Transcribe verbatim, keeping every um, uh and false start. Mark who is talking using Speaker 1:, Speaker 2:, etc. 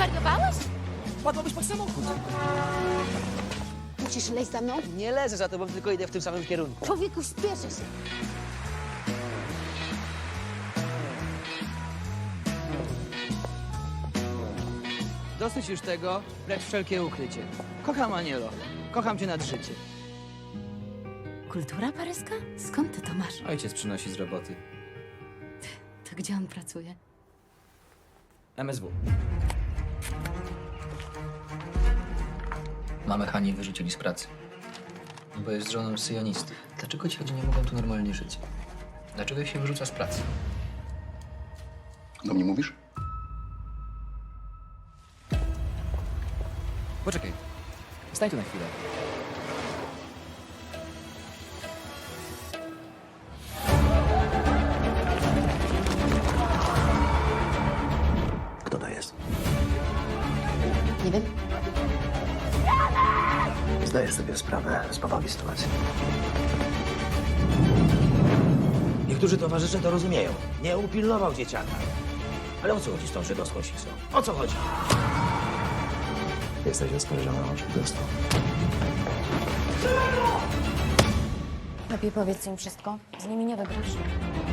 Speaker 1: Zwariowałeś?
Speaker 2: Padłabyś pod samochód.
Speaker 1: Musisz leć za mną?
Speaker 2: Nie lezę za tobą, tylko idę w tym samym kierunku.
Speaker 1: Człowieku, śpieszę się.
Speaker 2: Dosyć już tego, precz wszelkie ukrycie. Kocham Anielo. Kocham cię nad życie.
Speaker 1: Kultura paryska? Skąd ty to masz?
Speaker 3: Ojciec przynosi z roboty.
Speaker 1: To gdzie on pracuje?
Speaker 3: M S W. Mamę Hani wyrzucili z pracy. Bo jest żoną syjonisty. Dlaczego ci ludzie nie mogą tu normalnie żyć? Dlaczego ich się wyrzuca z pracy?
Speaker 4: Do mnie mówisz?
Speaker 3: Poczekaj. Stań tu na chwilę.
Speaker 4: Kto to jest?
Speaker 1: Nie wiem.
Speaker 4: Zdajesz sobie sprawę z powagi sytuacji.
Speaker 5: Niektórzy towarzysze to rozumieją. Nie upilnował dzieciaka. Ale o co chodzi z tą żydowską sisą? O co chodzi?
Speaker 4: Jesteś oskarżony o przestępstwo.
Speaker 6: Lepiej powiedz im wszystko. Z nimi nie wygrasz.